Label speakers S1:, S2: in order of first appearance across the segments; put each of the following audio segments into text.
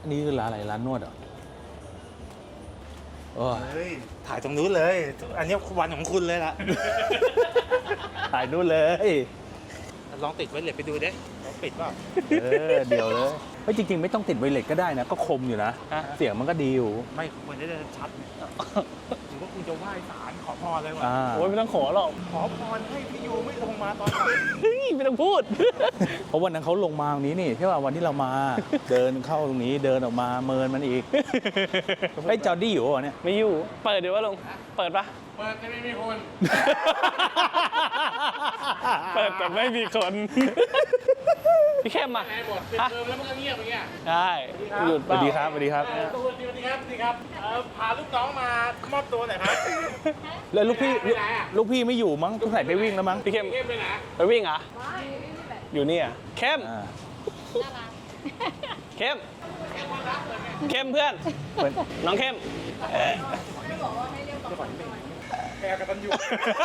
S1: นี่คือร้านอะไรร้านนวดเหรอโอ้ย
S2: เฮ้ยถ่ายตรงนู้นเลย อันนี้วันของคุณเลยล่ะ
S1: ถ่ายนู่นเลย
S2: ลองติดไว้เลยไปดูดิลองปิดเปล่า
S1: เดี๋ยวเลยเฮ้ยจริงๆไม่ต้องติดไวเลสก็ได้นะก็คมอยู่นะ
S2: ฮะ
S1: เสียงมันก็ดีอยู่
S2: ไม่ควรจะได้ชัดหรือว่าคุณจะไหว้ศาลขอพรเลยว่ะ
S3: โอ้ยไม่ต้องขอหรอก
S2: ขอพรให้พี่ยูไม่ลงมาตอนไหน
S3: เฮ้ยไม่ต้องพูด
S1: เพราะวันนั้นเขาลงมาตรงนี้นี่ใช่ป่ะวันที่เรามา เดินเข้าตรงนี้เดินออกมาเมินมันอีกไอ้ยจอร์ดี้อยู่วะเนี่ย
S3: ไม่อยู่ เปิดเดี๋ยวว่าลง เปิดปะ
S4: เปิดจะไม่มีคน
S3: เปิดแต่ไม่มีคน พี่เข้มมา
S4: ไหนหมดปิดเทอมแล้วมันก็เงียบอย่างเงี้ย
S3: ได้หยุด
S1: ส
S3: เป
S1: วั
S3: ล่า
S1: สดีครับสวัสดีครับ
S2: สวัสดีครับสวัสดีครับพาลูกน้องมามอบตัวหน่อยครับ
S1: แล้วลูกพี่ลูกพี่ไม่อยู่มั้งต้องใส่ไปวิ่งแล้วมั้ง
S3: พี่เข้ม
S4: เงียบไปไหน
S3: ไปวิ่งเหรออยู่นี่อ่ะเข้ม
S1: อ่า
S3: เข้มเข้มเพื่อน
S1: เป็น
S3: น้องเข้ม
S2: แกกตันยู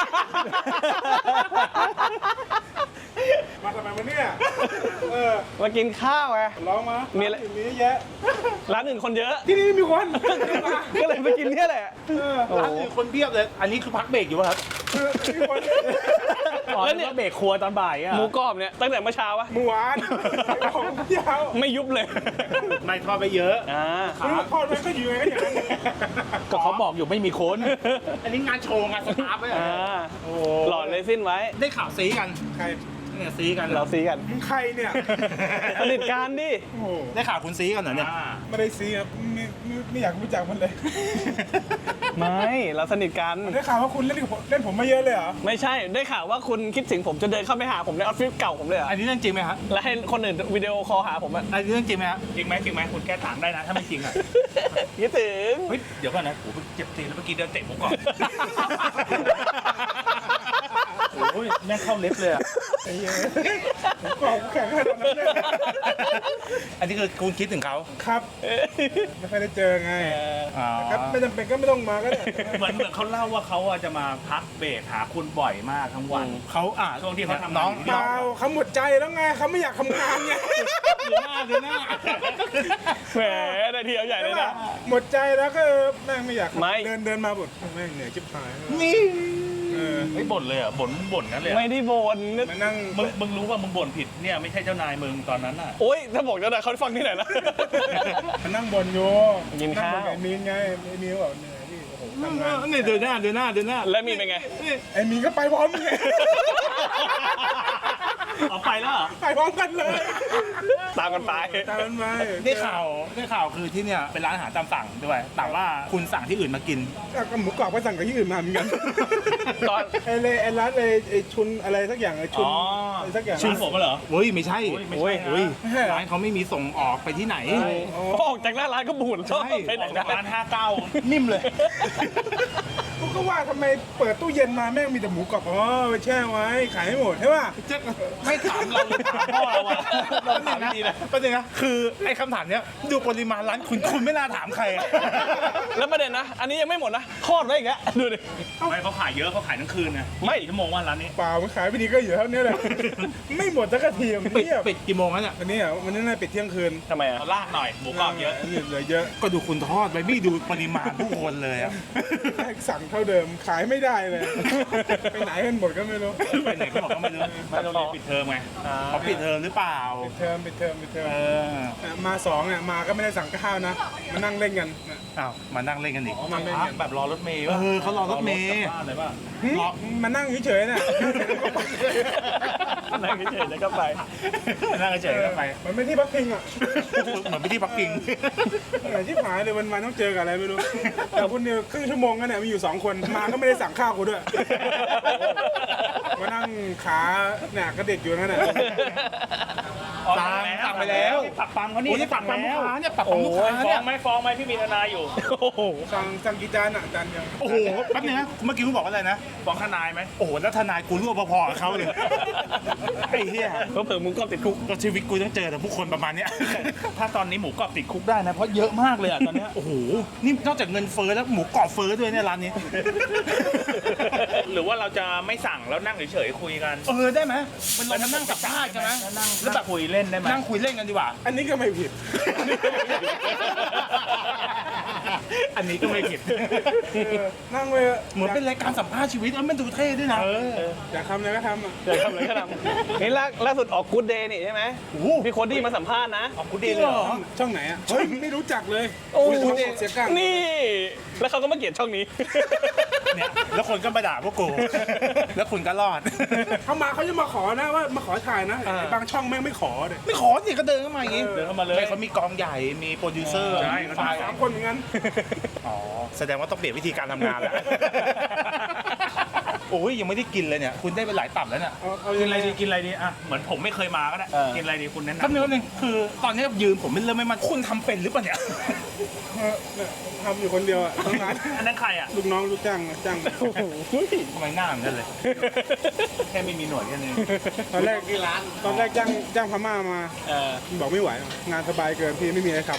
S2: มาทำไมวันนี้
S3: มากินข้าวไง
S2: ร้องมา
S3: มีอะไร
S2: มีเยอะ
S3: ร้านอื่นคนเยอะ
S2: ที่นี่มีคน
S3: ก็เลยไปกินเนี่ยแหละ
S2: ร้านอื่นคนเพียบเลย อันนี้คือพักเบรกอยู่ป่ะครับมีคน
S1: แล้วเนี่ยเบรกครัวตอนบ่ายอ่ะ
S3: หมูกรอบเนี่ยตั้งแต่เมื่อเช้าวะ
S2: เมื่อวานของเที่ยว
S3: ไม่ยุบเลย
S2: ไม่ทอดไปเยอะ
S3: อ่า
S2: ขาทอดไปก็อยู่ไงอย่างนั้น
S1: ก็เขาบอกอยู่ไม่มีคน
S2: อันนี้งานโชว์งานสตาร์ฟไหม
S3: อ่า
S2: โอ้
S3: หลอดเลยสิ้นไว้
S2: ได้ข่าวซีกันใครเนี่ยซีกัน
S3: เราซีกัน
S2: มึงใครเนี่ย
S3: สนิทกันดิ
S2: โอ้โหได้ข่าวคุณซีกันเหรอเนี่ย
S5: ไม่ได้ซีครับไม่อยากรู้จักมันเลย
S3: ไม่เราสนิทกัน
S5: ได้ข่าวว่าคุณเล่นผมมาเยอะเลยเหรอ
S3: ไม่ใช่ได้ข่าวว่าคุณคิดถึงผมจะเดินเข้าไปหาผมในออฟฟิศเก่าผมเลยเหรอ
S2: อันนี้เรื่องจริงไหมครับ
S3: แล้วให้คนอื่นวิดีโอคอลหาผมอะ
S2: อันนี้เรื่องจริงไหมครับจริงไหมคุณแก้ถามได้นะถ้าไม่จริงอ่ะ
S3: คิดถึง
S2: เฮ้ยเดี๋ยวก่อนนะโอ้โหเจ็บตีนแล้วเมื่อกี้เดินเตะผมก่อนโอ้ยแม่งเข้าเล็บเลยอ่ะ
S5: บอกแข่งขนาดนั้นเลย
S2: อันนี้คือคุณคิดถึงเขา
S5: ครับ ไม่ค่อยได้เจอไง
S2: อ๋อ
S5: ครับไม่จำเป็นก็ไม่ต้องมาก็ได้
S4: เหมือนเขาเล่าว่าเขาจะมาพักเบรกหาคุณบ่อยมากทั้งวัน
S2: เขา
S4: ช่วงที่เขาทำงาน
S2: น้อง
S5: เปล่าเขาหมดใจแล้วไงเขาไม่อยากทำงานไง
S2: ดูหน้า
S3: แหมได้ทีเอาใหญ่เลยนะ
S5: หมดใจแล้วก็แม่งไม่อยาก
S3: ไม่
S5: เดินมาบ่นแม่งเหนื่อยชิบหาย
S2: นี่
S4: ไม่บ่นเลยอ่ะบ่นนั่นเลย
S3: ไม่ได้บ่น
S5: มานั่ง
S4: มึงรู้ว่ามึงบ่นผิดเนี่ยไม่ใช่เจ้านายมึงตอนนั้นอ่ะ
S3: โอ๊ยถ้าบอกเจ้านายเขาฟังที่ไหนนะ
S5: มานั่งบ่นอยู่
S3: กินข้าว
S5: งบ่กับไอ้มีนไงไอ้มีนบอกเหนื่อยพี่โอ้โหทำงาน
S2: นี่ดูหน้า
S3: แล้วมีเป็นไง
S5: ไอ้มีนก็ไปพร้อมไง
S4: เอาไปแล้วเหรอ
S5: ไปพร้อมกันเลย
S3: ตามกันไป
S5: ตามมันมา
S2: ได้ข่าวคือที่เนี่ยเป็นร้านอาหารตามสั่งด้วยแต่ว่าคุณสั่งที่อื่นมากิน
S5: ก็หมูกรอบก็สั่งกับที่อื่นมาเหมือนกัน
S3: ตอน
S5: ไอ้ร้านไอ้ชุนอะไรสักอย่างไอ้ชุนอะไรสักอย่าง
S4: ชื่อผมเหรอ
S2: เฮ้ยไม่ใช่
S4: ไม่ใช่นะ
S2: เฮ้ยร้านเขาไม่มีส่งออกไปที่ไหน
S3: พอออกจากหน้าร้านก็บูด
S2: ใช่
S3: ไปไหนได้
S4: ร้าน59
S2: นิ่มเลย
S5: กูก็ว่าทำไมเปิดตู้เย็นมาแม่งมีแต่หมูกรอบอ๋อไปแช่ไว้ขายให้หมดใช่ป่ะ
S2: ไม่ถามเราเลยถามพ่อเราอะเราถามดีนะประเด็นนะคือไอ้คำถามเนี้ยดูปริมาณร้านคุณไม่น่าถามใครอะ
S3: แล้วประเด็นนะ อันนี้ยังไม่หมดนะทอดไว้อีกแล้วดูดิ
S4: ไม่เขาขายเยอะเขาขายทั้งคืนไง
S3: ไม่
S4: กี่ชั่วโมงว่าร้านนี้
S5: เปล่ามันขายไปดีก็อยู่เท่านี้แหละ ไม่หมดสักทีมัน
S2: ปิด
S5: เงียบ
S2: ปิดกี่โมงแล้วเนี่ย
S5: วันนี้อ่ะวันนี้น่าปิดเที่ยงคืน
S3: ทำไมอ่ะ
S4: เอาลากหน่อยหมูกรอบเยอะ
S5: เหลือเยอะ
S2: ก็ดูคุณทอดไปไม่ดูปริมาณผู้คนเลยอะ
S5: สั่งเท่าเดิมขายไม่ได้เลย ไปไหนกันหมดก็ไม่รู้
S4: ไปไหนก็บอกก็ไม่รู้ไม่โรงเรียนปิดเทอมไง
S2: เขาปิดเทอมหรือเปล่า
S5: ปิดเทอม
S2: เออ
S5: มาสองอ่ะมาก็ไม่ได้สั่งข้าวนะมานั่งเล่นกัน
S2: อ้าวมานั่งเล่นกันอีก
S5: มาเล่น
S4: พัก
S5: กัน
S4: แบบรอรถเมย์
S2: เขารอรถเมย์
S4: กลับบ้านเลยป่ะ
S5: มานั่งเฉยๆน่ะ
S3: นั่งเฉยๆแล้วก็ไป
S2: นั่งเฉยๆกันไป
S5: มันไม่ที่พักพิงอ่ะ
S2: เหมือนไปที่ปักกิ่ง
S5: เหนื่อยที่หายเลยวันๆต้องเจอกับอะไรไม่รู้ แต่คุณเนี่ยครึ่งชั่วโมงกันเนี่ยมีอยู่2คนมาก็ไม่ได้สั่งข้าวกูด้วย มานั่งขาเนี่ยกระเด็กอยู่นั่นแหละ
S2: สั่งไปแล้ว
S4: ปักปั๊มเขานี่
S2: โอ้ยปักปั๊มลูกค้าเนี่ยปัก
S3: โอ้
S2: ปั๊มลูกค้า
S3: ฟ้อ
S2: เนี่ย
S3: งไหมพี่มีทนายอยู่ โอ้โห
S5: สั่งกี่จานอ่ะจานเดียว
S2: โอ้โหแป๊บนึงนะเมื่อกี้คุณบอกว่าอะไรนะ
S4: ฟ้องทนายไหม
S2: โอ้โหแล้วทนายกูร่วมพอๆกับเขาเลยไอ้เหี้ย
S3: เพิ่มมึงก็ติดคุก
S2: ก็ชีวิตกูต้องเจอแต่ผู้คนประมาณเนี้ย
S4: ถ้าตอนนี้หมูกรอบติดคุกได้นะเพราะเยอะมากเลยอ่ะตอนเนี้ย
S2: โอ้โหนี่นอกจากเงินเฟ้อแล้วหมูกรอบเฟ้อด้วยเนี่ยร้านนี้
S4: หรือว่าเราจะไม่สั่งแล้วนั่งเฉยๆคุยกัน
S2: ได้ไหมมันลองมานั่งสัมภาษณ์กันไหม
S4: แล้วแบบคุยเล่นได้ไหม
S2: นั่งคุยเล่นกันดีกว่า
S5: อันนี้ก็ไม่ผิด
S2: อันนี้ก็ไม่ผิด
S5: นั่งไป
S2: เหมือนเป็นรายการสัมภาษณ์ชีวิตแล้วมันดูเท่ด้วยนะ
S5: อยากทำอะไรก็ทำอ่ะ
S3: เดี๋ยวทำอะไรก็ทำนี่ล่าสุดออกกู๊ดเดย์นี่ใช่ไหมพี่โคดี้มาสัมภาษณ์นะ
S2: กูดีเลยเหรอ
S5: ช่องไหนอ่ะ เฮ้ย ไม่รู้จักเลย
S3: โอ้
S5: ช่องเสียกั้ง
S3: นี่ แล้วเขาก็มาเกลียดช่องนี้
S2: เนี่ยแล้วคนก็มาด่าพวกกู แล้วคุณก็รอด
S5: เขามาเขาจะมาขอนะว่ามาขอถ่ายนะไอ้บางช่องแม่งไม่ขอเลย
S2: ไม่ขอสิก็เดินเข้ามาอย่างงี้
S4: เดินเข้ามาเลย
S2: ไม่เขามีกองใหญ่ มีโปรดิวเซอร์
S4: ใช่
S2: มีฝ่าย
S5: 3 คนเหมือนกัน
S2: อ๋อ แสดงว่าต้องเปลี่ยนวิธีการทำงานแล้ว โอ้ยยังไม่ได้กินเลยเนี่ย คุณได้ไปหลายตับแล้วเนี่ย
S5: เอา
S4: กิ
S5: ยั
S4: น
S5: ง
S4: อะไร
S5: ไง
S4: ดีกินอะไรดีอ่ะเหมือนผมไม่เคยมาก็ได้กินอะไรดีคุณแนะ
S2: แป๊บ
S4: นำ
S2: นึงคือตอนนี้ยืนผมไม่เริ่มไม่มันคุณทำเป็นหรือเปล่าเนี่ย
S5: เนี่ยทำอยู่คนเดียวอ่ะทั้งร้าน
S4: อันนั้นใครอ่ะ
S5: ลูกน้องลูกจ้างจ้าง
S2: ทำไมหน้าเหมือนกันเลย แค่ไม่มีหนวดแค่นี้
S5: ตอนแรกจ้างพม่ามาบอกไม่ไหวหรอกงานสบายเกินพี่ไม่มีอะไรขับ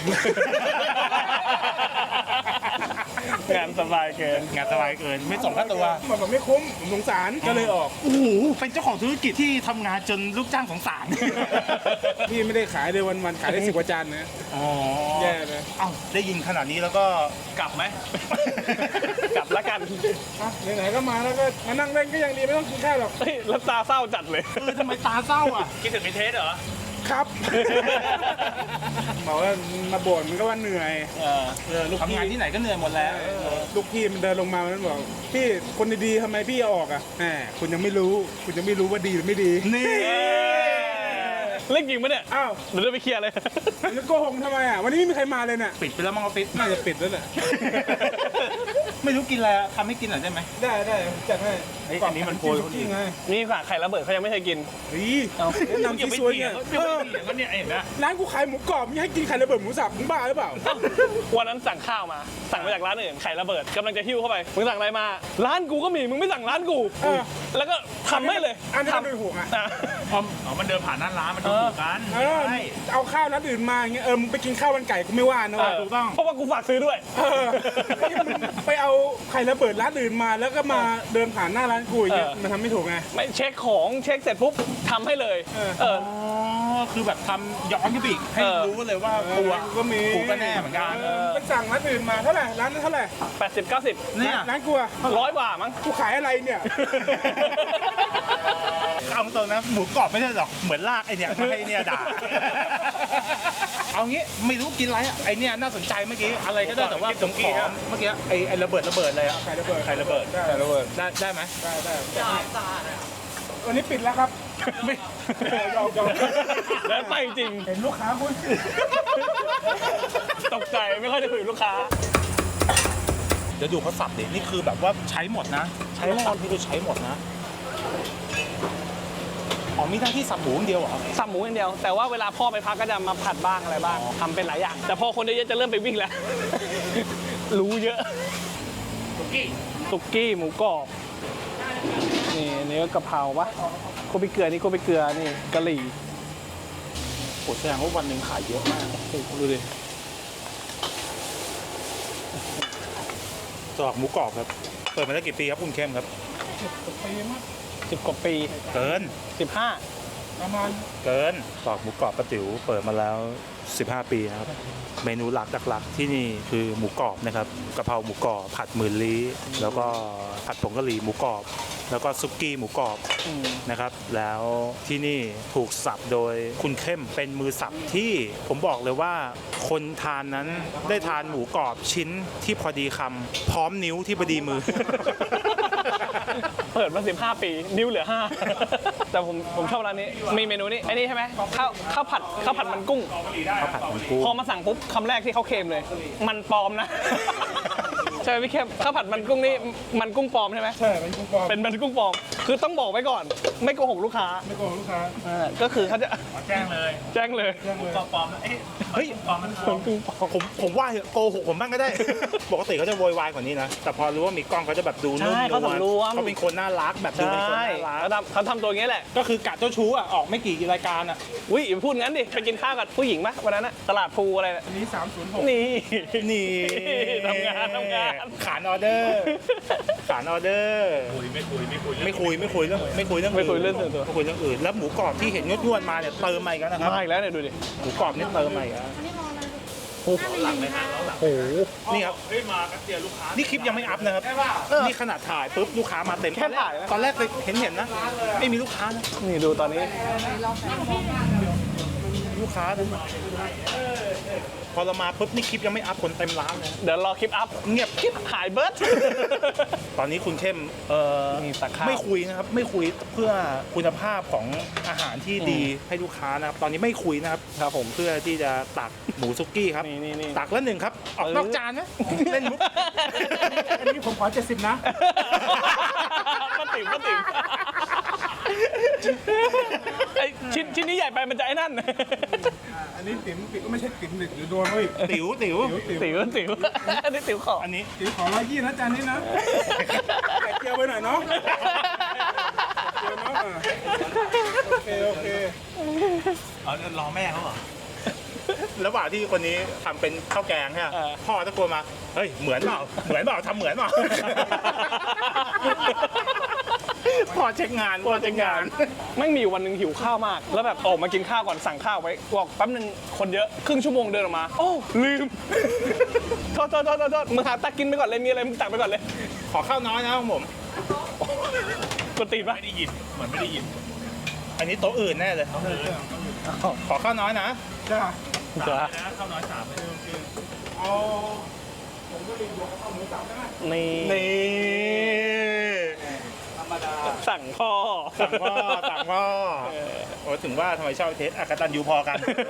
S3: งานสบายเกิน
S2: งานสบายเกิน ไม่ส่งค่าตัว
S5: มันบอกไม่คุ้มผมสงสารก็เลยออก
S2: โอ้โห เป็นเจ้าของธุรกิจที่ทำงานจนลูกจ้างสงสาร
S5: พี่ไม่ได้ขายเลยวันๆขายได้10 กว่าจานนะ
S2: อ๋อ
S5: แย่เลย
S2: เอ้าได้ยินขนาดนี้แล้วก็
S4: กลับไหม
S3: กลับแล้วกัน
S5: อ่ะไหนๆก็มาแล้วก็มานั่งเล่นก็ยังดีไม่ต้องกินข้าวหรอก
S3: เฮ้ยแล้วตาเศร้าจัดเลย
S2: ทำไมตาเศร้าอ่ะ
S4: คิดถึงไอเทสเหรอ
S5: ครับ บอกว่ามาบ่นมันก็ว่าเหนื่อยลูก
S2: ทำ
S5: พี่
S2: งานที่ไหนก็เหนื่อยหมดแล้ว
S5: ลูกพี่มันเดินลงมามันบอกพี่คนดีๆทำไมพี่เอาออกอ่ะแหมคุณยังไม่รู้ว่าดีหรือไม่ดี
S2: นี่
S3: เล่นจริงปะเนี่ย
S5: อ้าว
S3: เดี๋ยวเราไปเคลียร์เลย
S5: จะโกหกทำไมอ่ะวันนี้ไม่มีใครมาเลยเนี่ย
S2: ปิดไปแล้วมั้งออฟฟิศ
S5: น่าจะปิดแล้วแหละ
S2: ไม่รู้กินอะไรอะทำให้กินหน่อยได้ไหม
S5: ได้จัดให้
S2: เฮ้ยอันนี้มันโพย
S5: ซุกี้ไง
S3: นี่ค่ะไข่ระเบิดเขายังไม่เคยกิน
S5: เฮ้ยแนะนำที่ซวยเนี่ย
S4: เออมันเนี่ยเห็นไหม
S5: ร้านกูขายหมูกรอบมึงให้กินไข่ระเบิดหมูสับมึงบ้าหรือเปล่า
S3: วันนั้นสั่งข้าวมา สั่งมาจากร้านอื่นไข่ระเบิดกำลังจะหิ้วเข้าไปมึงสั่งอะไรมา ร้านกูก็มีมึงไม่สั่งร้านกู
S5: เออ
S3: แล้วก็ทำให้เลย
S5: อันนี้มัน
S3: ทำ
S5: เป็นห่วงอ่ะ
S3: อ่ะ
S4: อ๋อมันเดินผ่านหน้าร้านมันดูถูกกัน
S5: เออ
S4: ใช่
S5: เอาข้าวร้านอื่นมาอย่างเงี้ยมึงไปกินข้าวมันไก่กูไม่ว่านะว่ะถูกต้อง
S3: เพราะว่ากูฝากซื้อด้วย
S5: เออไปเอาไข่ระเบิดร้านอื่นมาแล้วก็มาเดินผ่านหน้าร้านกูอย่างเงี้ย
S3: เออ
S5: มันทำไม่ถูกไง
S3: ไม่เช็คของเช็คเสร็จปุ๊บทำให้เลย
S5: เออ
S3: เออ
S2: อ๋อ คือแบบทำย้อนขึ้นไปอีกให้
S3: เออ
S2: รู้เลยว่ากูอะ
S5: ก็มี
S2: กูก็แน่เหมือนกัน
S5: ไปสั่งร้านอื่นมาเท่าไหร่ร้านนั้นเท่าไหร่
S3: 80 90
S2: เนี่ย
S5: ร้านกูอะ
S3: 100 กว่ามั้ง
S5: กูขายอะไรเนี่ย
S2: เอาตรงนะหมูกรอบไม่ใช่หรอกเหมือนลากไอเนี่ยมาให้เนี่ยด่า เอางี้ไม่รู้กินอะไรอะไอเนี่ยน่าสนใจเมื่อกี้อะไรก็ได้แต่ว่าผมขอเมื่อกี้ไอระเบิดเลยอะ
S5: ไข่ระเบิด
S2: ไข่ระเบิด ได้ไหม
S5: ได้วันนี้ปิดแล้วครับยอม
S3: แล้วไปจริง
S5: เห็นลูกค้าคุณ
S3: ตกใจไม่ค่อยได้คุยกับลูกค้า
S2: เดี๋ยวดูเขาสับดินี่คือแบบว่าใช้หมดนะ ใช้หมดที่ดูใช้หมดนะอ๋อมีหน้าที่สับหมูอย่างเดียวเหรอ
S3: สับหมูอย่างเดียว แต่ว่าเวลาพ่อไปพักก็จะมาผัดบ้างอะไรบ้างทำเป็นหลายอย่าง แต่พอคนเยอะๆจะเริ่มไปวิ่งแล้ว รู้เยอะสุกี้หมูกรอบนี่อันนี้ก็กะเพราปะโคบิเกลือนี่โคบิเกลือนี่กะหรี่
S2: โอ้แสดงว่าวันหนึ่งขายเยอะมาก
S3: ดูดิ
S2: ตอกหมูกรอบครับเปิดมาได้กี่ปีครับคุณเข้มครับ
S5: ปีมั้ง
S3: 10 กว่าปี
S2: เกิน
S3: 15
S5: ประมาณ
S2: เกินตอกหมูกรอบป้าติ๋วเปิดมาแล้ว 15 ปีนะครับเมนูหลักที่นี่คือหมูกรอบนะครับกะเพราหมูกรอบผัดหมื่นลี้แล้วก็ผัดผงกะหรี่หมูกรอบ แล้วก็ซุกี้หมูกรอบนะครับแล้วที่นี่ถูกสับโดยคุณเข้มเป็นมือสับที่ผมบอกเลยว่าคนทานนั้นได้ทานหมูกรอบชิ้นที่พอดีคำพร้อมนิ้วที่พอดีมือ
S3: เปิดมา 15 ปี นิ้วเหลือ 5 แต่ผมชอบร้านนี้ มีเมนูนี้ไอ้นี่ใช่ไหมข้าวผัดมันกุ้ง
S2: ข้าวผัดมันกุ้ง
S3: พอมาสั่งปุ๊บคำแรกที่เขาเคลมเลย มันปลอมนะ ใช่ไหมพี่เข้มข้าวผัดมันกุ้งนี่มันกุ้งปลอมใช่ไหม
S5: ใช่เป็นกุ้งปลอม
S3: เป็นมันกุ้งปลอม คือต้องบอกไว้ก่อน ไม่โกหกลูกค้า
S5: ไม่โกงลูกค้า
S3: ก็คือเขาจะ
S4: แจ้งเลย
S3: แจ้งเลย
S4: ปลอมเอ้ยเฮ้ยปลอมมันปลอม
S3: กุ้งปลอม
S2: ผมว่าเถอะโกหกผมบ้างก็ได้ ปกติเขาจะโวยวายกว่านี้นะ แต่พอรู้ว่ามีกล้องเขาจะแบบดูนุ่ม
S3: ใช่
S2: น
S3: เขา
S2: วล
S3: สำรวม
S2: เขาเป็นคนน่ารักแบบดูเป็นคน
S3: ใช่
S2: น่ารัก
S3: เขาทำตัวอย่างนี้แหละ
S2: ก็คือกะเจ้าชู้อ่ะออกไม่กี่รายการอ่ะ
S3: อุ้ยอย่าพูดงั้นดิ ไปกินข้าวกับผู้หญิงปะวันนั้นอะตลาดภูอะไรน่ะ
S5: อันนี้306
S3: นี่
S2: นี่
S3: ทำงาน
S2: ขานออเดอร์ขานออเดอร์
S4: ไม่คุยเรื่อง
S2: ไม่คุยเรื่องอื่น
S3: ไม่คุยเรื่องส่วนตัว
S2: ไม่คุยเรื่องอื่นแล้วหมูกรอบที่เห็นนวดๆมาเนี่ยเติมใหม่กันนะครับ
S3: มาอีกแล้วเนี่ยดูดิ
S2: หมูกรอบนี่เติมใหม่กันหลังเลยฮะล้อหลัง
S3: โอ้โห
S2: นี่ครับ
S4: เฮ้ยมาแป๊บเดียวลูกค้า
S2: นี่คลิปยังไม่อัพนะครับ นี่ขนาดถ่ายปุ๊บลูกค้ามาเต็ม
S3: แค่ถ่ายนะ
S2: ตอนแรกเห็นนะ ไม่มีลูกค้านะ
S3: นี่ดูตอนนี้
S2: ลูกค้านะพอเรามาปุ๊บนี่คลิปยังไม่อัพคนเต็มร้านเลย
S3: เดี๋ยวรอคลิปอัพ
S2: เงียบกิ๊บ
S3: หายเบิร์ด
S2: ตอนนี้คุณเข้ม
S3: มีตักข้าว
S2: ไม่คุยนะครับ ไม่คุยเพื่อคุณภาพของอาหารที่ดีให้ลูกค้านะครับ ตอนนี้ไม่คุยนะครับ
S3: ครับผม
S2: เพื่อที่จะตักหมูซุกี้ครับ
S3: นี่
S2: ตักแล้วหนึ่งครับ ออกนอกจานนะเล่นมุก
S5: อันนี้ผมขอ70นะ
S3: ป้าติ๋มไอชิ้นนี้ใหญ่ไปมันจะไอ้นั่น
S5: อันนี้ติ๋มก็ไม่ใช่ติ๋มหรือโดนเขาอีก
S2: ติ๋ว
S3: ติ๋วอันนี้ติ๋วขอ
S2: อันนี้
S5: ติ๋มขอ120นะจานนี้นะแกะเจียวไปหน่อยเนาะเจียวเนาะโอเค
S4: เอารอแม่เขาเหรอ
S2: ระหว่างที่คนนี้ทำเป็นข้าวแกงใช่ไหมพ่อตะโกนมา เฮ้ย เหมือนเปล่าทำเหมือนเปล่า พ่อเช็คงาน
S3: ไม่งมีอยู่วันหนึ่งหิวข้าวมาก แล้วแบบออกมากินข้าวก่อนสั่งข้าวไว้บอกแป๊บนึงคนเยอะครึ่งชั่วโมงเดินออกมา โอ้ลืม โทษมึงหาตักกินไปก่อนเลยมีอะไรมึงตักไปก่อนเลย
S2: ขอข้าวน้อยนะของผม
S3: กดตีนปะ
S4: ไม่ได้ยิน เหมือนไม่ได้ยิน
S2: อันนี้โต๊ะอื่นแน่เลย ขอข้าวน้อยนะ
S5: จ้า
S3: จ้า
S4: นะข้าวน้อย3เลย
S5: เอาผมก็รีบยกข้าวหมูสับได้ไหม
S3: นี่สั่งพ่อ
S2: สั่งพ่อโอ้ถึงว่าทำไมชอบเทสอากตันยูพอกัน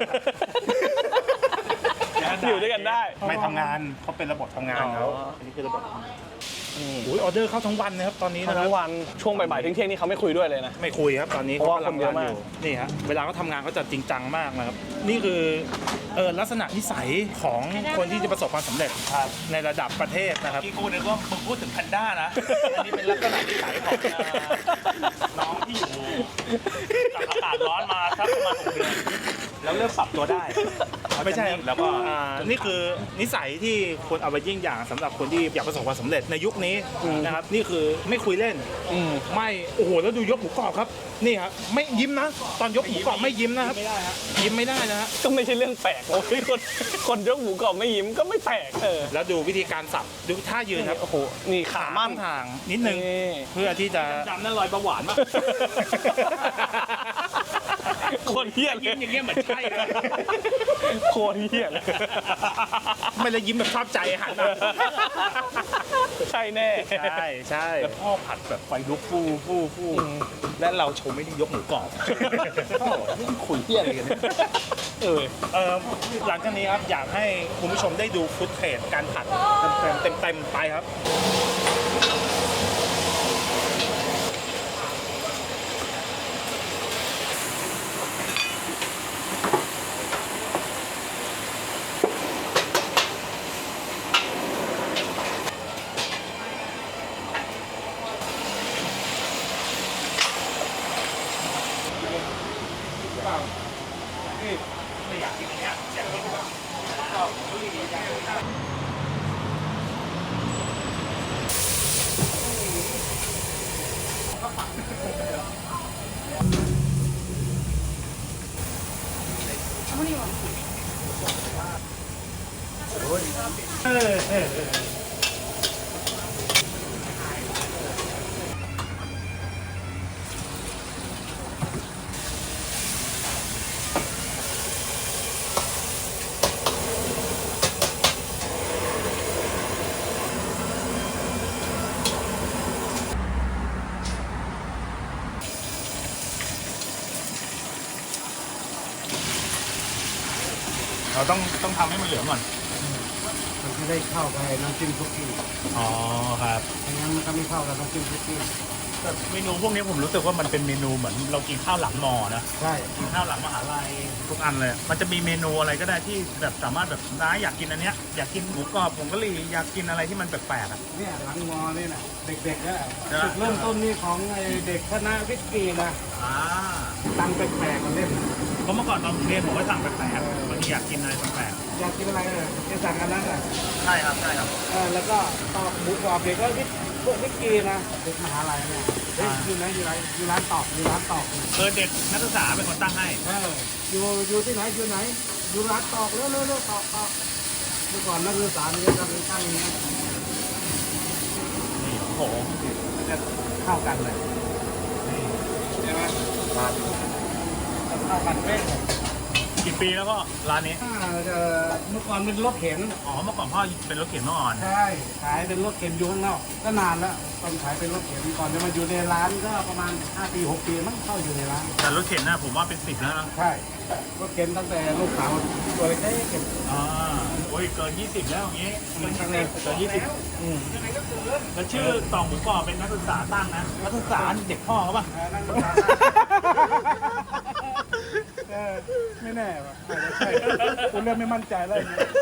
S3: อยู่ด้วยกันได้
S2: ไม่ทำงานเขาเป็นระบบทำงานเขา
S3: อ๋ออั
S2: อันนี้คือระบบทำงานอุ้ยออเดอร์เข้าทั้งวันนะครับตอนนี้นะครั
S3: ทั้
S2: บ
S3: งวันช่วงบ่ายๆเที่ยงๆนี่เขาไม่คุยด้วยเลยนะ
S2: ไม่คุยครับตอนนี้
S3: เพราะว่า
S2: ขกำลัง
S3: คนเยอะมาก
S2: นี่ฮะเวลาเขาทำงานเขาจะจริงจังมากนะครับนี่คือลักษณะนิสัยของคนที่จะประสบความสำเร็จในระดับประเทศนะครับ
S4: ที่กูนึกว่ามึงพูดถึงแพนด้านะ อันนี้เป็นลักษณะนิสัยของน้องที่อยู่กับอากาศร้อนมาสักประมาณ6 เดือน แล้วเริ่มปรับตัวได้
S2: ไม่ใช่
S4: แล้วก็
S2: นี่คือนิสัยที่ควรเอาไปยิ่งอย่างสำหรับคนที่อยากประสบความสำเร็จในยุคนี้นะครับนี่คือไม่คุยเล่น ไม่โอ้โหแล้วดูยกหมูกรอบครับนี่ครับไม่ยิ้มนะ ตอนยกหมูกรอบไม่ยิ้มนะครับยิ้มไม่ได้นะฮะ
S3: ก็ไม่ใช่เรื่องแปลกโอ้ยคนยกหมูกรอบไม่ยิ้มก็ไม่แปลก
S2: แล้วดูวิธีการสับดูท่ายืนครับ
S3: โอ้โหนี่ขามั่น
S2: ทางนิดนึง
S3: นี่
S2: เพื่อที่จะ
S4: จำนั่นรอยประหวานมาก
S3: คนเฮี้ยเล
S4: ยิ้
S3: ย
S4: มอย่างเงี้ยเหมือนใช่เลย
S3: โคตรเฮี้ยเลย
S2: ไม่เลยยิ้มแบบชอบใจหันมา
S3: ใช่แน่
S2: ใช่
S4: แล้วพ่อผัดแบบไฟลุกฟูและเราชมไม่ได้ยกหมูกรอบพ่อบอกนี่คุยเหี้ยอะไรกันเนี่ย
S2: หลังจากนี้ครับอยากให้คุณผู้ชมได้ดูฟุตเทจการผัดเต็มไปครับ
S4: เราต้องทำให้มันเหลืองก่อน
S5: มันจะได้เข้าไปน้ำจิ้มซุกี้
S4: อ๋อครับ
S5: ไม่งั้นมันก็ไม่เข้ากับน้ำจิ้มซุกี้
S4: แต่เมนูพวกนี้ผมรู้สึกว่ามันเป็นเมนูเหมือนเรากินข้าวหลังมอนะ
S5: ใช่
S4: กินข้าวหลังมหาลัยทุกอันเลย มันจะมีเมนูอะไรก็ได้ที่แบบสามารถแบบน้าอยากกินอันเนี้ยอยากกินหมูกรอบผงกะหรี่อยากกินอะไรที่มันแปลกๆอ่ะ
S5: เนี่ยหลังมอนี่นะเด็กๆนะจุดเริ่มต้นนี่ของไอ้เด็กคณะวิทย์กีนะ
S4: อ่า
S5: ตังแปลกๆมันเล่น
S4: เพราะเมื่อก่อนตอนผมเรียนผมก็สั่งแปลกๆบางทีอยากกินอะไรแปลก
S5: อยากกินอะไรจะสั่งอันนั้นอ่ะ
S4: ๆใช่ครับใช่ครับ
S5: แล้วก็ตอกหมูกรอบเด็กก็พวกวิทย์กีนะเด็กมหาลัยเนี่ยเฮ้ยอยู่ไหนอยู่ร้านตอกอยู่ร้านตอก
S4: เด็กนักศึกษาเป็นคนตั้งให้
S5: อยู่ที่ไหนอยู่ร้านตอกเร็วตอกมื่อก่อนนักศึกษาเนี่ยจะเป็นตั้งอย่างนี้
S4: โอ้โห
S5: มันจะเข้ากันเลยใช่ไหมเข้ากันเป๊ะ
S4: กี่ปีแล้วก็ร้านนี้
S5: เมื่อก่อนเป็นรถเข็น
S4: อ๋อ เมื่อก่อนพ่อเป็นรถเข็นเมื่อก่อน
S5: ใช่ขายเป็นรถเข็นอยู่ข้างนอกก็นานแล้วตอนขายเป็นรถเข็นก่อนจะมาอยู่ในร้านก็ประมาณ5 ปี 6 ปีมั้งเข้าอยู่ในร้าน
S4: แต่รถเข็นนะผมว่าเป็น10แล้วนะ
S5: ใช่รถเข็นตั้งแต่ลูกสาวตัวเล็กๆเก็บ
S4: อ่าโอ้ยเกิน20แล้วอย่างงี้เกิน
S5: ตั้งแต่
S4: 20เกิน20แล้วชื่อต่อหมูกรอบเป็นนักศึกษาตั้งนะ นักศึกษาเด็กพ่อเขาป่ะ
S5: นั่งรถสาวไม่แน่ว่ะอาจจะใช่คุณเริ่มไม่มั่นใจแล้วอย่างเงี้ย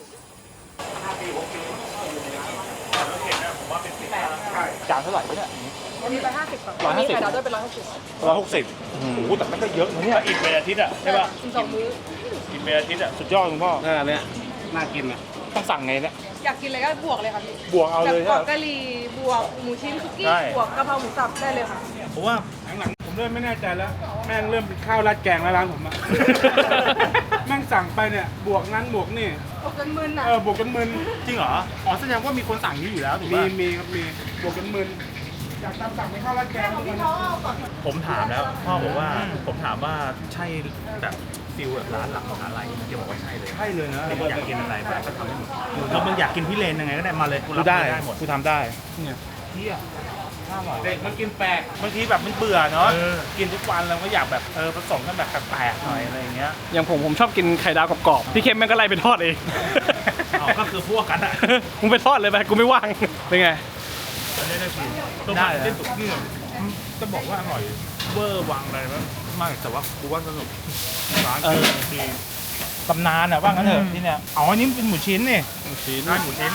S1: จานเท่าไหร่เนี่ย
S6: มี150ค่ะ
S1: 150
S6: มีไข่ดาวด้วยเป็น160
S1: 160โอ้โหแต่มันก็เยอะนะเนี่ย
S4: อิ่มเป็นอาทิตย์อ่ะใช่ป่ะ
S6: กิน2 มื้อ
S4: อิ่มเป็นอาทิตย์อ่ะ
S1: สุดยอดคุณพ่อ
S5: เนี่ยน่ากินอ่ะ
S1: ต้องสั่งไงเนี่ย
S6: อยากกินอะไรก็บวกเลยค่ะพี่
S1: บวกเอา
S6: แบบ
S1: เลย
S6: กรอบ
S1: ใช่ไหม
S6: กะหรี่บวกหมูชิ้นคุกกี้
S1: ใช่
S6: บวกกะเพราหมูสับได้เลยค่ะ
S1: ผมว่า
S5: หลังๆผมเริ่มไม่แน่ใจแล้ว แม่งเริ่มเป็นข้าวราดแกงแล้วร้านผมอะ แม่งสั่งไปเนี่ยบวกนั้นบวกนี่
S6: บวกจนมึนอ่ะ
S5: บวกกันมึน
S4: จริงเหรอ อ๋อแสดงว่ามีคนสั่งนี้อยู่แล้วถูก
S5: มี
S4: ป่ะ
S5: มีครับมีบวกกันมึนอยากตามสั่งเป็นข้าวราดแกงทุกวัน
S4: ผมถามแล้วพ่อบอกว่าผมถามว่าใช่แบบฟิลแบบร้านหลังมหาลัยแกบอกว่าใช่เลย
S5: ใช่เลยนะ
S4: มึงอยากกินอะไรแบบก็ทำให้หมดแล้วมึงอยากกินพี่เลนยังไงก็ได้มาเลยกู
S1: กู
S4: รับ
S1: ได้
S4: ได้หมด
S1: กูทำได้
S5: เนี่ย
S4: เที่ยน่าอร่อย
S5: เด็กมันกินแปลก
S4: บางทีแบบมันเบื่อเนาะกินทุกวันเราก็อยากแบบผสมกันแบบแปลกๆหน่อยอะไรอย่างเงี้ย
S3: อย่างผมชอบกินไข่ดาวกรอบๆพี่เข้มแม่งก็ไล่ไปทอดเอง
S4: อ๋อก็คือพวกกันอะ
S3: มึงไปทอดเลยไปกูไม่ว่าง เป็นไง
S4: ได้ฟิลตัวใหม่เส้นสุกี้จะบอกว่าอร่อยเวอร์วังอะไรมากแต่ว่ากูว่าสนุกร้านดี
S1: ตำนานอ่ะว่างั้นเถอะที่เนี่ย
S4: อ๋ออันนี้เป็นหมูชิ้นนี่
S3: หมูชิ้น
S4: ร้านหมูชิ้น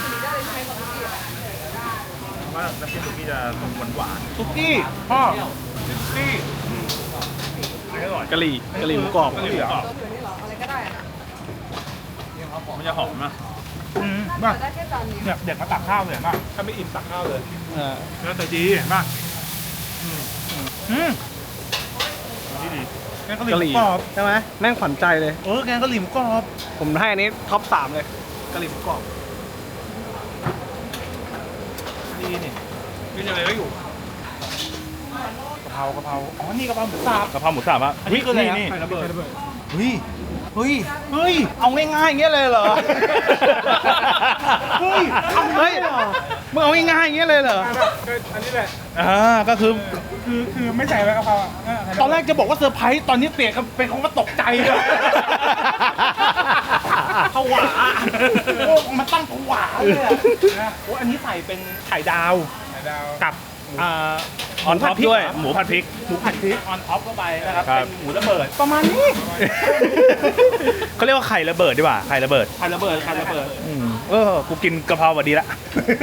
S4: ว่าน้ำจิ้มสุกี้จะหวาน
S1: ซุกี้พ่อซุกี้
S4: ๆอร่อย
S3: กะหรี่หมูกรอบ
S4: กะหรี่หมูกรอบ
S6: นี่เหรออะไรก็ได้อะ
S4: มันจะหอมนะ
S6: แต่ได้แค่จานนี้
S4: เนี่ยเด็กมาตักข้าวเลยมากถ้าไม่อิ่มตักข้าวเลย แล้วแต่ดีมากดีดีแกงกะห
S3: กะห
S4: รี่
S3: รี่
S4: กรอบ
S3: ใช่ไหมแม่งขวัญใจเลย
S4: แกงกะหรี่หมูกรอบ
S3: ผมให้อันนี้ท็อป 3 เลยกะหรี่หมูกรอบ
S4: ดีนี่
S3: มีอะไรก็อยู่
S4: กะเพราอ๋อนี่กะเพราหมูสับ
S1: กะเพราหมูสับอ่ะ
S4: อันนี้คืออะไรนะ
S1: นี่
S5: ไข่ระเบิด
S1: เฮ้ยเฮ้ยเฮ้ยเอาง่ายๆอย่างเงี้ยเลยเหรอเฮ้ยทำได้เหรอมึงเอาง่ายๆอย่างเงี้ยเลยเหรอ
S5: อันนี้แหละ
S1: ก็คือ
S5: คือไม่ใส่ใบกะเพราอ่ะ
S1: ตอนแรกจะบอกว่าเซอร์ไพรส์ตอนนี้เปลี่ยนเป็นคำว่าตกใจเลยผวาโอ้มันตั้งผวาเลยอะโอ้อันนี้ใส่เป็นไข่ดาว
S5: ไข่ดาว
S1: กับ
S3: ออนท็อปด้วยหมูผัดพริก
S1: หมูผัดพริกออนท็อปเข้าไปนะครับ
S3: ครับ
S1: เป็นหมูระเบิดประมาณนี้
S3: เขาเรียกว่าไข่ระเบิดดีกว่าไข่ระเบิด
S1: ไข่ระเบิดไข่ระเบิด
S3: กูกินกะเพรามาดีละ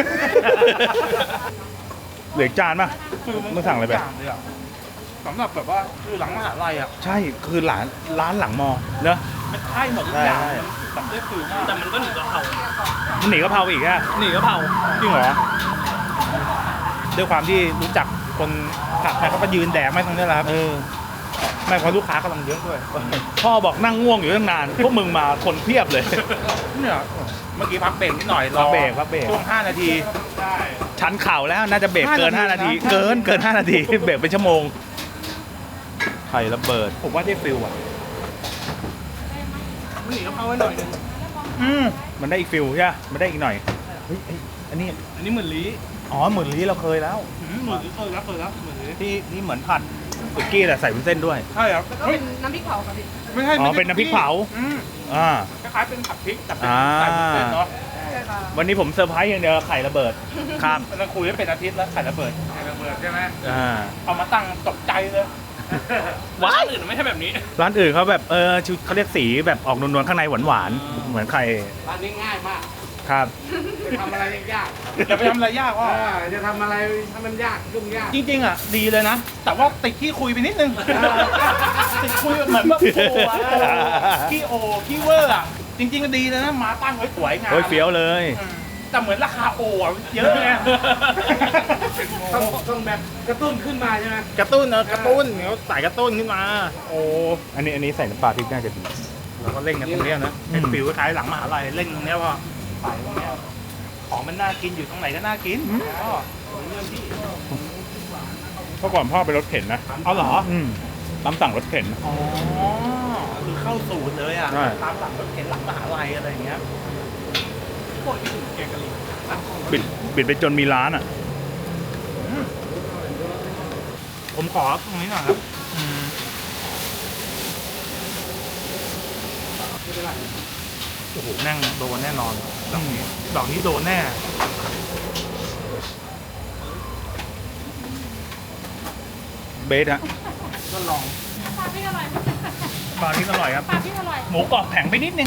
S3: เหลืออีกจานป่ะมึงสั่งอะไรไป
S1: ย่างเลยอะสำหรับแบบว่าคือหลังมหาลัยอ่ะ
S3: ใช่คือร้านหลังมอเนอะ
S1: มันใช่หมดทุกอย่าง
S3: ใช่
S1: มันได้ฟิลมาก
S3: แต่มันก็หนีกะเพรามันหนีกะเพราอีกอะหนีกะเพรา
S1: จริงเหรอ
S3: ด้วยความที่รู้จักคนผักใครเขาก็ยืนแดกไม่ตรงนี้แหละครับไม่เพราะลูกค้ากำลังเยอะด้วย พ่อบอกนั่งง่วงอยู่ตั้งนาน พวกมึงมาคนเพียบเลย
S1: เนี่ยเมื่อกี้พักเบรกนิดหน่อยร
S3: พั
S1: อก
S3: เบรกพักเบรก
S1: ช่วง5 นาที
S3: ชันเข่าแล้วน่าจะเบรกเกิน
S1: 5
S3: 5 นาที
S1: นาที
S3: เกิน5 นาที เบรกเป็นชั่วโมงไข่ระเบิด
S1: ผมว่าได้ฟิลอ่ะ
S5: หนีกะเพราไว้หน่อยนึง
S3: มันได้อีกฟิลใช่ไหมมันได้อีกหน่อยเฮ้ยอันนี้
S5: อันนี้เหมือนลี
S3: อ๋อหมื่นลี้เราเคยแล้ว
S5: เหมือนลีเคยแล้วเหมือนลี
S3: ที่เหมือนผัดสุกี้แต่ใส่วุ้นเส้นด้วย
S5: ใช่ครับ
S6: แล้วก็เป็นน้ำพริกเผาค่ะพี่
S5: ไม่ใช่
S3: อ๋อเป็นน้ำพริกเผา อ่า
S5: คล้ายๆเป็นผัดพริกแต่เป็น
S3: อ่า
S5: ใส่วุ้นเส้นเนาะ
S6: ใช่ค่ะ
S3: วันนี้ผมเซอร์ไพรส์อย่างเดียวไข่ระเบิดครับ
S1: เราคุยกันเป็นอาทิตย์แล้วไข่ระเบิด
S5: ไข่ระเบิดใช่ไหม
S3: อ่า
S1: เอามาตั้งตกใจเลย
S3: ว้าย
S5: อื่นไม่ใช่แบบนี้
S3: ร้านอื่นเขาแบบชุดเขาเรียกสีแบบออกนวลๆข้างในหวานๆเหมือนไข่
S5: ร้านนี้ง่ายมาก
S3: ครับ
S5: จะทำอะไรยาก
S1: อย่าไปทำอะไรยากว่า
S5: จะทำอะไรถ้ามันยากยุ่งยาก
S1: จริงๆอ่ะดีเลยนะ แต่ว่าติดขี้คุยไปนิดนึงติดคุยเหมือนแบบโอ้ขี้เวอร์อ่ะจริงๆก็ดีเลยนะมาตั้งไว้สวยงาม
S3: โอ้ยเฟี้ยวเลย
S1: แต่เหมือนราคาโอ่ะเยอะไง
S5: ต้องแบบกระตุ้นขึ้นมาใช่ไหม
S3: กระตุ้นกระตุ้นเขาใส่กระตุ้นขึ้นมา โอ้อันนี้ใส่น้ำปลาพริกน่าจะดี
S1: เราก็เล่นกันตรงเนี้ยนะเป็นฟิวคล้ายๆหลังมหาลัยเล่นตรงเนี้ยว่าไปตรงเนี้ยของมันน่ากินอยู่ตรงไหนก็น่ากินอ๋อเรื่องที่
S2: เมื่อก่อนพ่อไปรถเข็นนะ
S1: เอาเหรอ
S2: ตามสั่งรถเข็น
S1: อ๋อคือเข้าสูตรเลยอ่ะ
S2: ใช่
S1: ตามหลังรถเข็นหลังมหาลัยอะไรอย่างเงี้ยพวกที่ถึงแกงกะหรี่
S2: บิดไปจนมีร้านอ่ะ
S1: ผมขอตรงนี้หน่อยครับโอ้โหแน่งโดนแน่นอนดอกนี้โดนแน่
S2: เบสฮะ
S1: ก็ลอง
S6: ปลาพี่อร่อย
S1: ปลาที่อร่อยครับ
S6: ปลาพี่อร่อย
S1: หมูกรอบแข็งไปนิดนึง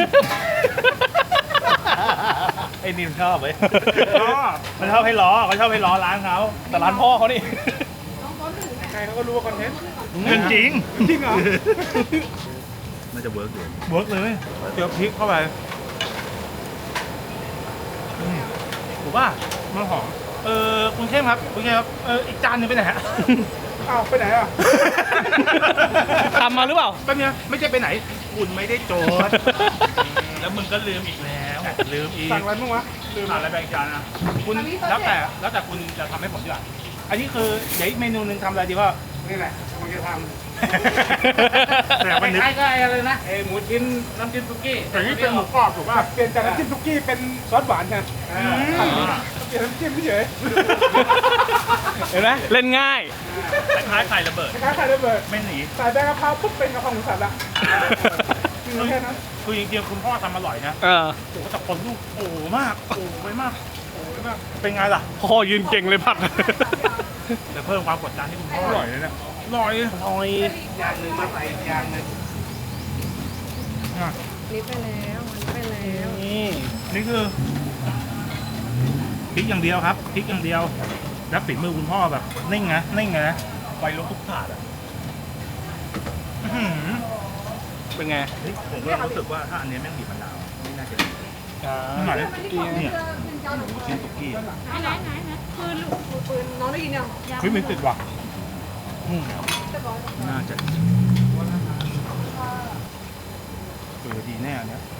S1: ไอ้นี่มันชอบเว้ยมันชอบให้ล้อเขาชอบให้ล้อร้านเขา
S3: แต่ร้านพ่อเขานี่
S6: น้องเขาถึง
S5: ใครเขาก็รู้ว่าคอนเทนต์
S1: เรื่องจริง
S5: จริงเหรอ
S2: น่าจะเวิร์กอยู่
S1: เวิร์กเลยเจียวพริกเข้าไปถูกป่ะมันหอมคุณเข้มครับคุณเข้มครับอีกจานหนึงไปไหนฮะ
S5: อ้าวไปไหนอ่ะ
S3: ทำมาหรือเปล่า
S1: ก็เนี่ยไม่ใช่ไปไหน คุณไม่ได้โจทย์ แล้วมึงก็ลืมอีกแล้วลืมอีก
S5: สั่งอะไรบ้างวะลืม
S1: สั่งอะไรแบ่งจานอ่ะคุณแล้วแต่คุณจะทำให้ผมดีกว่าอันนี้คือเดี๋ยวอีกเมนูหนึงทำอะไรดีว่า
S5: นี่แหละมันจะทำ
S1: แต่วันนี้
S5: คล้ายๆอะไรนะหมูชิ้นน้ำจิ้มซุกี้แต่นี่เป็นหมูกรอบถูกป่ะเปลี่ยนจากน้ำจิ้มซุกี้เป็นซอสหวานกันเปลี่ยนน้ำจิ้มเฉย
S3: เห็นไหมเล่นง่าย
S1: คล้ายๆไข่ระเบิด
S5: คล้ายๆไข่ระเบิด
S1: ไม่หนี
S5: ใส่ใบกะเพราปุ๊บเป็นกะเพราหมูสับละคือแค่นั้น
S1: คือจริงๆคุณพ่อทำอร่อยนะ
S3: เออ
S1: โอ้โหแต่คนลูกโอ้โหมากโอ้โหไปมากโอ้โหไปมากเป็นไงล่ะ
S3: พ่อยืนเก่งเลยผัก
S1: แต่เพิ่มความกดดันให้คุณพ่ออร่อยเลยเนี่ยอร่อย
S5: อย่างหนึ่งมาใส่อย่างหนึ่ง
S6: นี่ไปแล้วมันไปแล้ว
S3: นี่
S1: นี่คือพริกอย่างเดียวครับพริกอย่างเดียว แล้วฝีมือคุณพ่อแบบนิ่งนะนิ่งเลยนะไฟลุกทุกถาดอ่ะอื้อหือ
S3: เป็นไง
S1: เฮ้ยผมก็รู้สึกว่าถ้าอันเนี้ยแม่งบีบมะนาวไม่น่าจะดี
S3: อ่า
S1: หน่อย
S6: มันที่ของ
S1: เนี่ย
S6: เป็นเจ้าหนู
S1: ชิ้นตุกกี้
S6: ไหนปืนลูกปืนน้องได้ยินยัง
S1: เฮ้ยมันติดว่ะ
S6: เรียบร้อย
S1: น่าจะดีแน่อันเนี้ย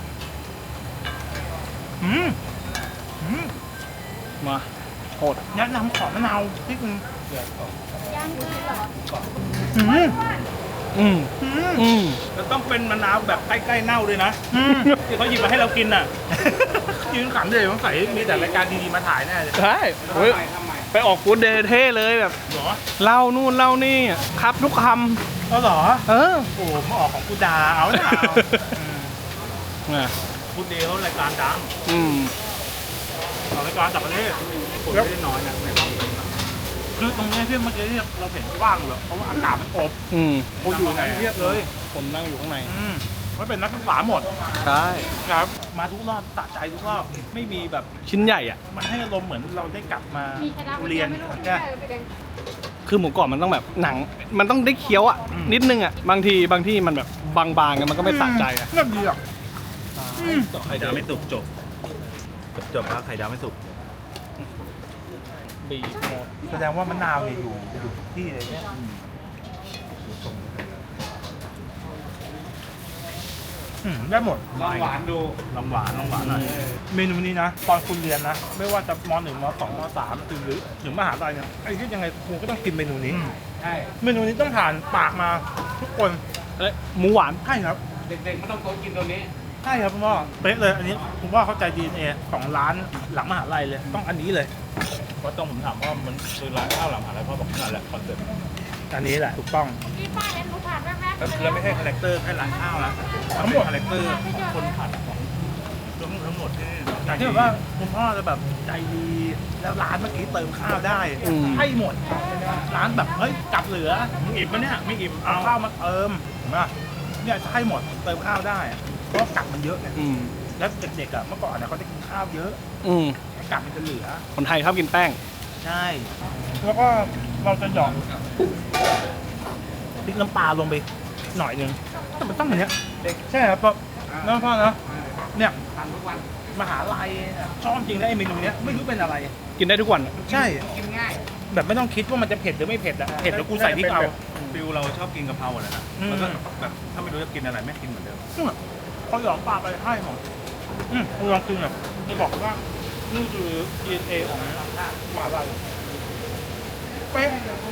S1: อืม
S3: มาโหด
S1: แนะนำขอมะนาวนิดนึง
S6: ย่างเลยเหรอ
S1: อืม
S3: อืมอืม
S1: แล้วต้องเป็นมะนาวแบบใกล้ๆเน่าด้วยนะที่เขาหยิบมาให้เรากินน่ะ ยืนขำเลยสงสัยมีแต่รายการดีๆมาถ่ายแน่เลย
S3: ใช่เฮ้ยไปออกฟูดเดย์เท่เลยแบบ
S1: เหรอ
S3: เล่านู่นเล่านี่ครับทุกค
S1: ก็เหรอ
S3: ำเออ
S1: โอ้มาออกของกูดาเอาเนี่ย
S3: น่ะ
S1: กูเดย์เขารายการดัง
S3: อืม
S1: ออกรายการต่างประเทศคนไม่ได้น้อยนะในรอบนี้คือตรงนี้ที่เมื่อกี้ที่เราเห็นว่างเลยเพราะว่าอากาศมันอบ
S3: อืม
S1: คนอยู่ไหนเทียบเลย
S3: ผมนั่งอยู่ข้างใน
S1: ไม่เป็นนักศึกษาหมด
S3: ใช่
S1: ครับ มาทุกรอบสะใจทุกรอบไม่มีแบบ
S3: ชิ้นใหญ่อ่ะ
S1: มันให้อารมณ์เหมือนเราได้กลับมา
S6: มีใครได้
S1: เรียน
S6: ไม่รู้
S1: ใช่
S6: ไปแดง
S3: คือหมูกรอบมันต้องแบบหนัง มันต้องได้เคี้ยวอ่ะ นิดนึงอ่ะ บางทีมันแบบบางๆกันมันก็ไม่สะใจอ่ะ
S1: เรื่องดีอ่ะ
S2: ไข่ดาวไม่สุกจบครับไข่ดาวไม่สุก
S3: บีบหมด
S1: แสดงว่ามะนาวเนี่ยอยู่ที่เลยเนี่ยได้หมด
S5: ลองหวานดู
S1: ลองหวานหน่อยเมนูนี้นะตอนคุณเรียนนะ ไม่ว่าจะม .1 ม .2 ม .3 หรือถึงมหาลัยเนี่ยไอ้ที่ยังไงคุณก็ต้องกินเมนูนี้
S5: ใช่
S1: เมนูนี้ต้องผ่านปากมาทุกคน
S3: เอ้ยหมูหวาน
S1: ใช่ครับ
S5: เด็กๆไม่ต้องโต๊ะกินตัวนี้
S1: ใช่ครับคุณพ่อเป๊ะเลยอันนี้คุณพ่อเข้าใจ DNA ของร้านหลังมหาลัยเลยต้องอันนี้เลย
S2: เพราะต้องผมถามว่ามันคือร้านข้าวหลังอะไรพ่อบอกนั่นแหละคอนเซ็ปต์
S1: อันนี้แหละถูกต้อง
S6: พี่ป้าเห็นหนูผ่านแว๊บๆ
S2: แล้วไม่ใช่คาแรคเตอร์แค่ร้านข้าวนะ
S1: ทั้งหมด
S2: คาแรคเตอร์ของคนผัดของทั้งหมดที่
S1: อย่างที่แบบว่าคุณพ่อจะแบบใจดีแล้วร้านเมื่อกี้เติมข้าวได้
S3: อืม
S1: ให้หมดร้านแบบเฮ้ยกลับเหลือมึงอิ่มปะเนี่ยไม่อิ่มเอาข้าวมาเติมเห็นปะเนี่ยจะให้หมดเติมข้าวได้เพราะกลับมันเยอะไง
S3: อืม
S1: แล้วเด็กๆอ่ะเมื่อก่อนเนี่ยเขาจะกินข้าวเยอะ
S3: อืม
S1: กลับมันจะเหลือ
S3: คนไทยชอบกินแป้ง
S1: ใช่แล้วก็เราจะหยอกพริกน้ำปลาลงไปหน่อยนึงแต่มันต้องอย่างเนี้ยใช่ครับเพราะน้องพ่อนะเนี่ย
S5: ทานทุกวัน
S1: มหาลัยชอบจริงนะไอ้เมนูเนี้ยไม่รู้เป็นอะไร
S3: กินได้ทุกวันอะ
S1: ใช่
S5: กินง่าย
S1: แบบไม่ต้องคิดว่ามันจะเผ็ดหรือไม่เผ็ดอะเผ็ดแล้วกูใส่พริกเอา
S2: ฟิลเราชอบกินกะเพราอะไรนะ
S1: อืม
S2: แล้วก็แบบถ้าไม่รู้จะกินอะไรไม่กินเหมือนเดิม
S1: เขาหยอกปลาไปให้หมดลองกินหน่อยจะบอกว่านี่คือ DNA ของหมาลัยเป๊ะ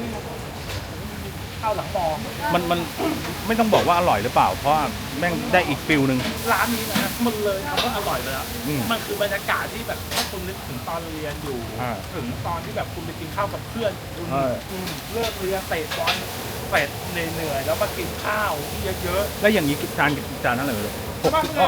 S1: ข้าวหลังมอ
S2: มันไม่ต้องบอกว่าอร่อยหรือเปล่า เพราะว่าแม่งได้อีกฟิลหนึ่ง
S1: ร้านนี้นะมันเลยคำว่าอร่อยเลยอะ
S2: อืม
S1: มันคือบรรยากาศที่แบบถ้าคุณนึกถึงตอนเรียนอยู่
S2: อ่า
S1: ถึงตอนที่แบบคุณไปกินข้าวกับเพื่อนคุณ
S2: เออ
S1: เลิกเรียนเตะบอลเสร็จเหนื่อยๆแล้วมากินข้าวที่เยอะ
S2: แล้วอย่างนี้จานนั้นเลย
S1: ๆ
S2: 60
S1: ก็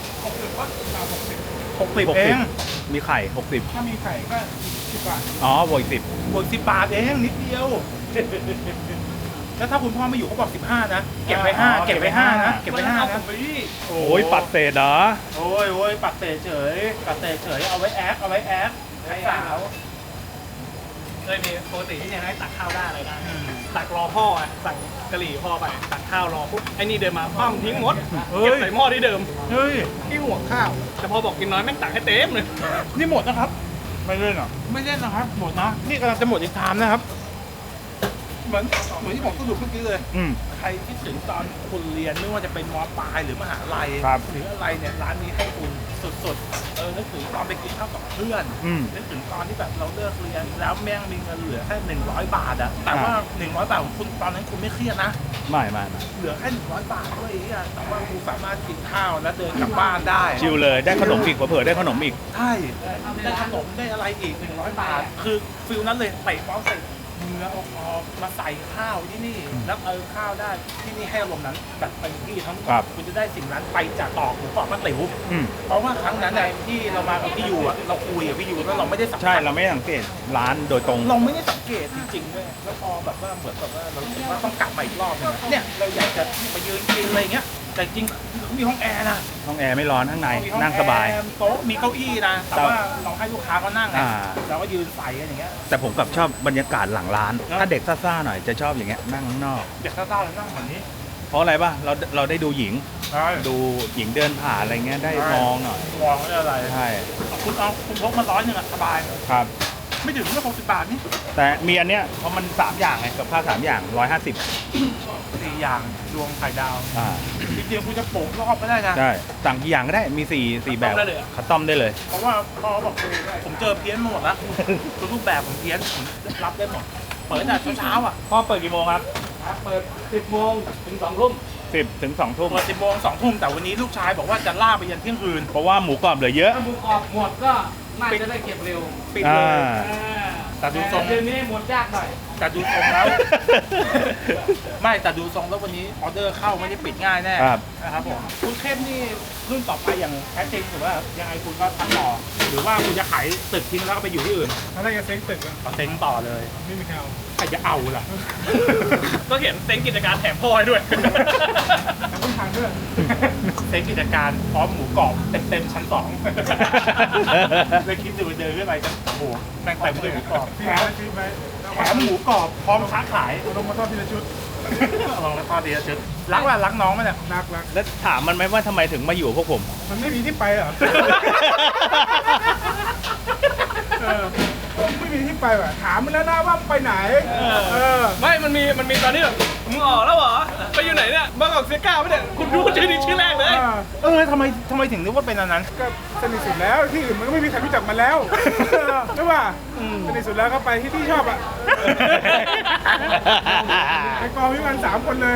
S1: 60ว่า60เอง
S2: มีไข่
S5: ถ้ามีไข่ก็10 บาท
S2: 60อ๋อบวกอีก
S1: บวก10 บาทเองนิดเดียว แล้วถ้าคุณพ่อไม่อยู่เขาบอก15นะเก็บไป5เก็บไป5นะเก็บไป5นะ
S2: 10โอ้ยปัดเศษเหรอ
S1: โอ้ยปัดเตะเฉยปัดเตะเฉยเอาไว้แอคให้สาว
S3: เคยมีปกติที่เนี่ยให้ตักข้าวได้อะไรได้ตักรอพ่ออ่ะสั่งกะหรี่พ่อไปตักข้าวรอปุ๊บไอ้นี่เดินมาปั้มทิ้งหมดเก็บใส่หม้อที่เดิม
S1: เฮ้ย
S3: ที่หัวข้าวแต่พอบอกกินน้อยแม่งตักให้เต็มเลย
S1: นี่หมดนะครับ
S2: ไม่เล่นหรอ
S1: ไม่เล่นนะครับ หมดนะ นี่กำลังจะหมดอีกชามนะครับ เหมือนที่ผมสรุปเมื่อกี้เลย
S2: อืม
S1: ใครคิดถึงตอนคุณเรียนไม่ว่าจะเป็นมปลายหรือมหาลัย
S2: ครับ
S1: หรืออะไรเนี่ยร้านนี้ให้คุณสุดๆนึกถึงตอนไปกินข้าวกับเพื่อน
S2: อืม
S1: นึกถึงตอนที่แบบเราเลิกเรียนแล้วแม่งมีเงินเหลือแค่100 บาทอะแต่ว่า100 บาทของคุณตอนนั้นคุณไม่เครียดนะ
S2: ไม่
S1: เหลือแค่100 บาทด้วยอ่ะแต่ว่าคุณสามารถกินข้าวแล้วเดินกลับบ้านได้
S2: ชิลเลยได้ขนมอีกเผื่อๆได้ขนมอีก
S1: ใช่ได้ขนมได้อะไรอีก100 บาท คือฟิลนั้นเลยเตะบอลเสร็จเนื้อออกมาใส่ข้าวที่นี่แล้วข้าวได้ที่นี่ให้อารมณ์นั้นแบบเต็มที่ทั้งหมด
S2: ครับ
S1: คุณจะได้สิ่งนั้นไปจากตอกหมูกรอบป้าติ๋ว
S2: อืม
S1: เพราะว่าครั้งนั้นในที่เรามากับพี่ยูอ่ะเราคุยกับพี่ยูแล้วเราไม่ได้สังเกต
S2: ใช่เราไม่ได้สังเกตร้านโดยตรง
S1: เราไม่ได้สังเกตจริงๆด้วยแล้วพอแบบว่าเหมือนแบบว่าเรารู้สึกว่าต้องกลับมาอีกรอบนึงเนี่ยเราอยากจะไปยืนกินอะไรเงี้ยแต่จริงมีห้องแอร์นะ
S2: ห้องแอร์ไม่ร้อนข้างใน
S1: มีห้อ
S2: นั่งสบาย
S1: แอร์โต๊ะมีเก้าอี้นะแต่ว่าเราให้ลูกค้าเขานั่งไง
S2: อ่า
S1: เราก็ยืนใส่กันอย่างเงี้ย
S2: แต่ผมกลับชอบบรรยากาศหลังร้าน ถ้าเด็กซ่าๆหน่อยจะชอบอย่างเงี้ยนั่งข้างนอก
S1: เด็กซ่าๆแล้วนั่งแบบนี้
S2: เพราะอะไรป่ะเราได้ดูหญิง
S1: ใช่
S2: ดูหญิงเดินผ่านอะไรเงี้ยได้มองหน่อย
S1: มองไม่ได้อะไร
S2: ใช่
S1: คุณพกมา100อะสบาย
S2: ครับ
S1: ไม่ถึงไม่60 บาทนี่
S2: แต่มีอันเนี้ยเพราะมัน3อย่างไงกับข้าว3อย่าง150
S1: 4 อย่างรวมไข่ดาว
S2: อ่า
S1: จริงๆคุณจะโปะรอบก็ได้นะ
S2: ใช่สั่งกี่อย่างก็ได้มี4แบบคัสตอมได้เลย
S1: เพราะว่าพอบอกผมเจอเพี้ยนมาหมดแล้วทุกรูปแบบผมเพี้ยนผมรับได้หมดเปิดแต่เช้าๆอ่ะ
S2: พ่อเปิดกี่โมงครับ
S3: เปิด 10 โมงถึง 2 ทุ่ม
S2: 10 ถึง 2 ทุ่ม
S1: เปิด10 โมง 2 ทุ่มแต่วันนี้ลูกชายบอกว่าจะล่าไปยันเที่ยงคืน
S2: เพราะว่าหมูกรอบเหลือเยอะ
S3: ถ้าหมูกรอบหมดก็น่าจะได้เก็บเร็ว
S1: ปิดเลย แต่ดูทรง
S3: เดือนนี้หมดยากหน่อย
S1: แต่ดูทรงแล้ว ไม่แต่ดูทรงแล้ววันนี้ออเดอร์เข้าไม่ได้ปิดง่ายแน่
S2: ครับ
S1: นะครับผมคุณเข้มนี่รุ่นต่อไปอย่างแท้จริงหรือว่ายังไงคุณก็ทำต่อหรือว่าคุณจะขายตึกทิ้งแล้วก็ไปอยู่ที่อื่น
S5: ถ้าได้จะเซ็งตึกอะ
S1: เอาเซ็งต่อเลย
S5: ไม่มีใครเอา
S1: ใครจะเอาล่ะ
S3: ก็เห็นเต็งกิจการแถมพ่อให้ด้วย
S5: แต่ต้องทานด้วย
S1: เซ็งกิจการพร้อมหมูกรอบเต็มชั้น 2เลยคิดดูเดินขึ้นไปจะโอ้โหแม่งเต็มด้วยหมูกรอบ
S5: พี่
S1: แถ
S5: หาม
S1: แ
S5: ซื้อไหม
S1: ถมหมูกรอบพร้อมค้าขาย
S5: เอาลงมาทอดทีละชุด
S1: ลองแล้วทอดดีจะรักว่ารักน้องไหมเนี่ย
S5: รัก
S2: แล้วถามมันไหมว่าทำไมถึงมาอยู่พวกผม
S5: มันไม่มีที่ไปเหรอ ไม่มีที่ไปว่ะถามมันแล้วนะว่าไปไหน
S3: ไม่มันมีตอนนี้แบบมึงออกแล้วเหรอ ไปอยู่ไหนเนี่ยบางกอกเซียก้าไม่เนี่ยคุณรู้ชื่อนี้ชื่อแรกเลย
S1: ทำไมถึงนึกว่าเป็นอันนั้น
S5: ก็สนิทสุดแล้วที่อื่นมันก็ไม่มีใครรู้จักมันแล้วใช่ป่ะสนิทสุดแล้วก็ไปที่ชอบอ่ะไปกองพี่มัน3 คนเลย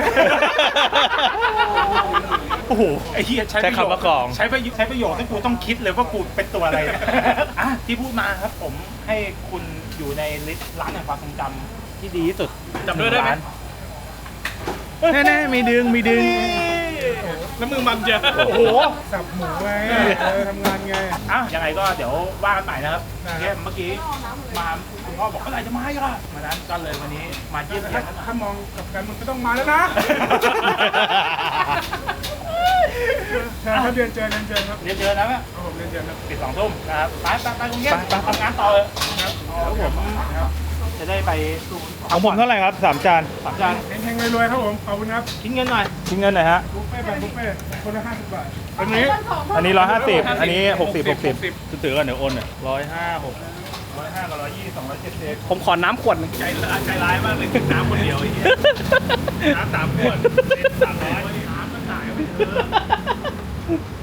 S1: โอ้โหไอ้เหี้ย
S2: ใช้คำว่ากอง
S1: ใช้ประโยชน์ที่กูต้องคิดเลยว่ากูเป็นตัวอะไรเนี่ยอ่ะที่พูดมาครับผมให้คุณอยู่ในลิสต์ร้านแห่งความทรงจำที่ดีที่สุด
S3: จำด้วยได้ไหม
S2: แน่ๆมีดึง
S3: แล้วมือมันเจอ
S1: โอ้โห
S5: สับหมูไงทำงานไง
S1: อ่ะยังไงก็เดี๋ยวว่ากันใหม่นะครับ
S5: ได้
S1: เนี่ยเมื่อกี้มาคุณพ่อบอกเมื่อไหร่จะมาอีกล่ะมานั้นก็เลยวันนี้มาเยี่ยมเยียน
S5: ถ้ามองกับกันมันก็ต้องมาแล้วนะถ้าเรียนเจอครับ
S1: เรียนเจอนะแม่
S5: ผมเรียนเจอครับ
S1: ปิด2 ทุ่มนะครับไปกรุงเทพทำงานต่อเลยครับแล้วผมจะได้ไป
S2: ของผมเท่าไหร่ครับ3 จาน
S1: 3 จาน
S5: เฮงๆรวยๆครับผมขอบคุณครับ
S1: คิดเงินหน่อย
S2: ทิ้งเงินหน่อยฮะ
S5: บุฟเฟ่ต์แบบบุฟเฟ่ต์คนละ50 บาท
S1: อันนี้
S2: อันนี้150อันนี้60ถือกันเดี๋ยวโอนหน่อย105
S1: 105กับ120 270
S3: ผมขอน้ำขวดหนึงใจร้ายมากเลยกินน้ำคนเดียวไอ้เหี้ยน้ำ3 ขวด300
S1: น้ำก็จ่ายไปเถอะ